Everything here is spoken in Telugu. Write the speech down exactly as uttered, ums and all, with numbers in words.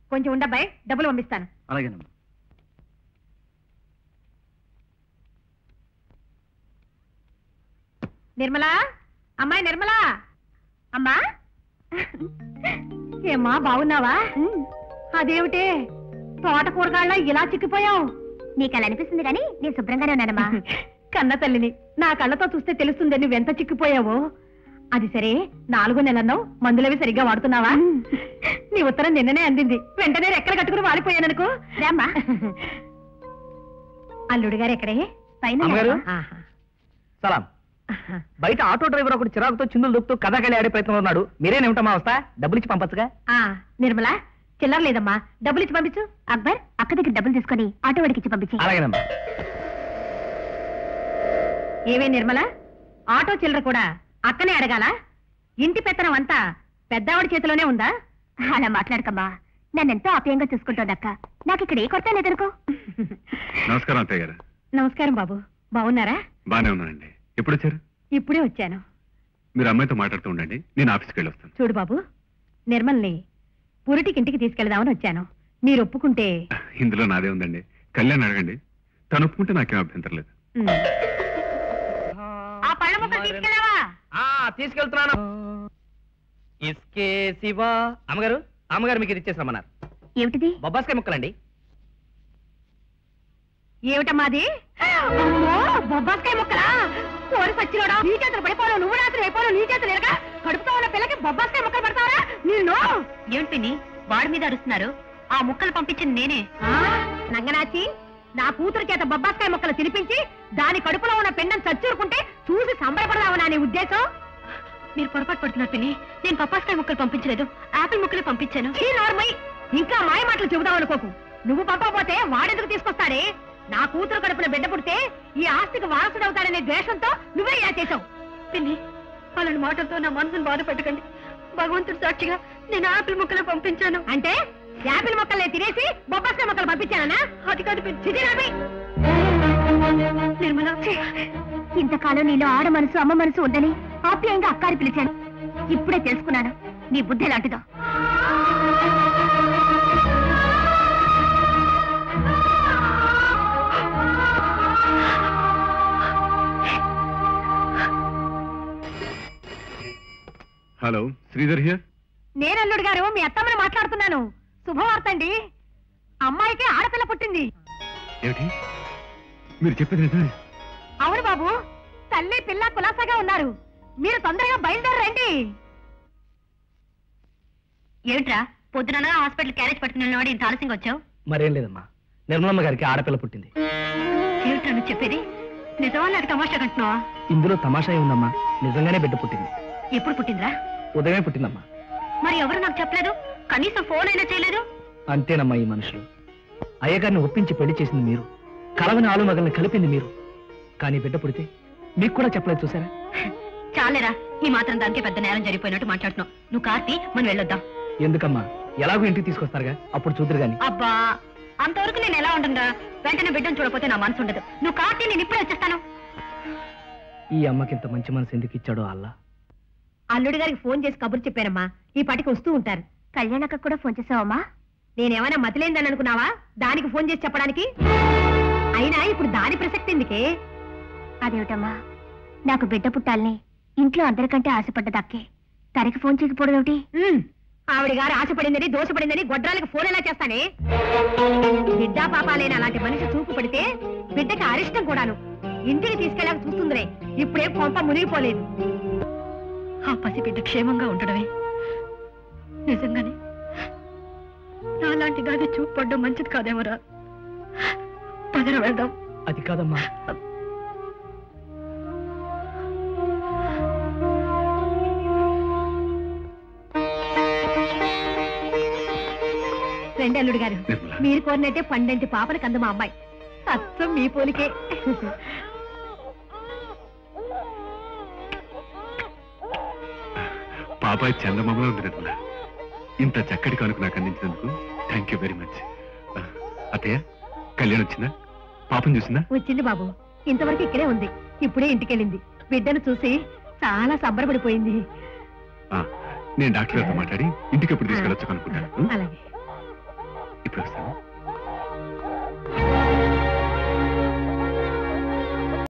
కొంచెం ఉండబ్బాయి, డబ్బులు పంపిస్తాను. అలాగేనమ్మా. నిర్మలా, అమ్మాయి నిర్మలా, అమ్మా. ఏమ్మా బాగున్నావా? అదేమిటే తోట కూరగాళ్ళ ఇలా చిక్కిపోయావు? నీకు అలా అనిపిస్తుంది కానీ నేను శుభ్రంగానే ఉన్నానమ్మా. కన్న తల్లిని నా కళ్ళతో చూస్తే తెలుస్తుంది నువ్వెంత చిక్కిపోయావో. అది సరే, నాలుగో నెలన్నావు, మందులవి సరిగ్గా వాడుతున్నావా? నీ ఉత్తరం నిన్ననే అందింది, వెంటనే రెక్కలు కట్టుకుని వాలిపోయాననుకో. రామ్మా. అల్లుడు గారు ఎక్కడే? పైన. సలాం. బయట ఆటో డ్రైవర్ ఒకటి చిరాకుతో చిందులు దొక్కుతూ కథాకళి ఆడే ప్రయత్నంలో ఉన్నాడు. మీరేనేమిటమ్మా వస్తా? డబ్బులు ఇచ్చి పంపచ్చుగా. నిర్మలా, చిల్లర లేదమ్మా, డబ్బులు ఇచ్చి పంపించు. అక్బర్, అక్క దగ్గర డబ్బులు తీసుకొని ఆటో వాడికి ఇచ్చి పంపించి. అలాగేనమ్మా. ఏవే నిర్మలా, ఆటో చిల్లర కూడా అక్కనే అడగాల? ఇంటి పెత్తనం అంతా పెద్దావిడి చేతిలోనే ఉందా? అలా మాట్లాడకమ్మా, నన్నెంతో ఆప్యాయంగా చూసుకుంటోంది అక్క. నాకు ఇక్కడ ఏ కొరత లేదనుకో. నమస్కారం అత్తయ్య గారు. నమస్కారం బాబు, బాగున్నారా? బానే ఉన్నానండి. ఎప్పుడు వచ్చారు? ఇప్పుడే వచ్చాను. మీరు అమ్మాయితో మాట్లాడుతూ ఉండండి, నేను ఆఫీస్కి వెళ్ళి వస్తాను. చూడు బాబు, నిర్మల్ని పురిటికి ఇంటికి తీసుకెళ్దామని వచ్చాను. మీరు ఒప్పుకుంటే. ఇందులో నాదే ఉందండి, కళ్యాణ్ అడగండి, తను ఒప్పుకుంటే నాకేం అభ్యంతరం లేదు. ఆ పళ్ళ ముక్కలు తీసుకెళ్ళావా? తీసుకెళ్తున్నాను. ఇస్కే శివా. అమ్మగారు, అమ్మగారు మీకు ఇది ఇచ్చేసామన్నారు. ఏమిటిది? బొబ్బాస్కాయ ముక్కలండి. ఏమిటమ్మాది? అమ్మో, బొబ్బాస్కాయ ముక్కలా? కోరి సచ్చిలోడా, నీ చేతులు పడిపోను, నువ్వు రాత్రి అయిపోను, నీ చేతులు ఎరగా కడుపుతో ఉన్న పిల్లకి బొబ్బాస్కాయ ముక్కలు పడతావరా? నేను ఏమిటి వాడి మీద అరుస్తున్నారు? ఆ ముక్కలు పంపించింది నేనే. నంగనాచి, నా కూతురు చేత బొబ్బాస్కాయ ముక్కలు తినిపించి దాని కడుపులో ఉన్న పిండం చచ్చూరుకుంటే చూసి సంబరపడదామనా నీ ఉద్దేశం? మీరు పొరపాటు పడుతున్నారు పిన్ని. నేను బొబ్బాస్కాయ ముక్కలు పంపించలేదు, ఆపిల్ ముక్కలు పంపించాను. ఇంకా మాయ మాటలు చెబుదాం అనుకోకు. నువ్వు పంపకపోతే వాడెందుకు తీసుకొస్తాడే? నా కూతురు కడుపున బిడ్డ పుడితే ఈ ఆస్తికి వారసుడవుతాడనే ద్వేషంతో నువ్వే ఇలా చేశావు. పిన్ని, వాళ్ళని మాటలతో నా మనసును బాధ పెట్టకండి. భగవంతుడు సాక్షిగా నేను ఆపిల్ ముక్కలు పంపించాను. అంటే యాపిల్ మొక్కల్ని తినేసి బొబ్బాస్కాయ మొక్కలు పంపించానా? అది కాదు నిర్మల. ఇంతకాలం నీలో ఆడ మనసు అమ్మ మనసు ఉందని ఆప్యాయంగా అక్కారి పిలిచాను. ఇప్పుడే తెలుసుకున్నాను నీ బుద్ధి ఎలాంటిదో. Hello, Sridhar here. నేను అల్లుడు గారు, మీ అత్తమ్మని మాట్లాడుతున్నాను. శుభవార్త అండి, అమ్మాయికి ఆడపిల్ల పుట్టింది. ఏమిటి మీరు చెప్పేది నిజమే? అవును బాబు, తల్లి పిల్ల కులాసాగా ఉన్నారు. మీరు తొందరగా బయలుదేరండి. ఏమిట్రా పొద్దున హాస్పిటల్ క్యారేజ్ పట్టుకుని ఇంత ఆలస్యంగా వచ్చావు? మరేం లేదమ్మా, నిర్మలమ్మ గారికి ఆడపిల్ల పుట్టింది. ఏమిట్రా నువ్వు చెప్పేది? నిజమా నాకు తమాషా కంటున్నావా? ఇందులో తమాషా ఉందమ్మా, నిజంగానే బిడ్డ పుట్టింది. ఎప్పుడు పుట్టిందిరా? ఉదయమే పుట్టిందమ్మా. మరి ఎవరు నాకు చెప్పలేదు? కనీసం ఫోన్ అయినా చేయలేదు. అంతేనమ్మా ఈ మనుషులు. అయ్యగారిని ఒప్పించి పెళ్లి చేసింది మీరు, కలవని ఆలు మగల్ని కలిపింది మీరు. కానీ బిడ్డ పుడితే మీకు కూడా చెప్పలేదు, చూసారా? చాలేరా, ఈ మాత్రం దానికి పెద్ద నేరం జరిగిపోయినట్టు మాట్లాడుతున్నావు. నువ్వు కార్తీ, మనం వెళ్ళొద్దాం. ఎందుకమ్మా, ఎలాగో ఇంటికి తీసుకొస్తారుగా, అప్పుడు చూద్దరు గాని. అబ్బా, అంతవరకు నేను ఎలా ఉంటుందా? వెంటనే బిడ్డను చూడపోతే నా మనసు ఉండదు. నువ్వు కార్తీ, నేను ఇప్పుడే వచ్చేస్తాను. ఈ అమ్మకి ఇంత మంచి మనసు ఎందుకు ఇచ్చాడో అల్లా. అల్లుడి గారికి ఫోన్ చేసి కబురు చెప్పానమ్మా, ఈ పాటికి వస్తూ ఉంటారు. కళ్యాణక్క కూడా ఫోన్ చేసావమ్మా? నేనేమైనా మతిలేందని అనుకున్నావా దానికి ఫోన్ చేసి చెప్పడానికి? అయినా ఇప్పుడు దాని ప్రసక్తి ఎందుకే? అదేమిటమ్మా, నాకు బిడ్డ పుట్టాలని ఇంట్లో అందరికంటే ఆశపడ్డదక్కే తనకి ఫోన్ చేయకపోవడం. ఆవిడ గారు ఆశపడిందని దోషపడిందని గొడ్రాలకు ఫోన్ ఎలా చేస్తానే? బిడ్డా పాపాలేని అలాంటి మనిషి చూపు పడితే బిడ్డకి అరిష్టం కూడాను. ఇంటికి తీసుకెళ్ళాక చూస్తుందిరే, ఇప్పుడే కొంప మునిగిపోలేదు. ఆ పసి బిడ్డ క్షేమంగా ఉండడమే నిజంగానే నాలాంటి దాన్ని చూపు పడ్డం మంచిది కాదేమోరా. పదర వెళ్దాం. అది కాదమ్మా, రండి అల్లుడు గారు, మీరు కోరినట్టే పండంటి పాపని కందు మా అమ్మాయి. అచ్చం మీ పోలికే. పాపాయి చందమామలో ఉంది నిర్మల. ఇంత చక్కటి కానుక నాకు అందించినందుకు థ్యాంక్ యూ వెరీ మచ్. అత్తయ్య, కళ్యాణ్ వచ్చిందా? పాపం చూసిందా? వచ్చింది బాబు, ఇంతవరకు ఇక్కడే ఉంది. ఇప్పుడే ఇంటికెళ్ళింది. బిడ్డను చూసి చాలా సంబరపడిపోయింది. నేను డాక్టర్ గారితో మాట్లాడి ఇంటికి ఎప్పుడు తీసుకెళ్ళొచ్చు అనుకుంటాను. అలాగే. ఇప్పుడు వస్తాను.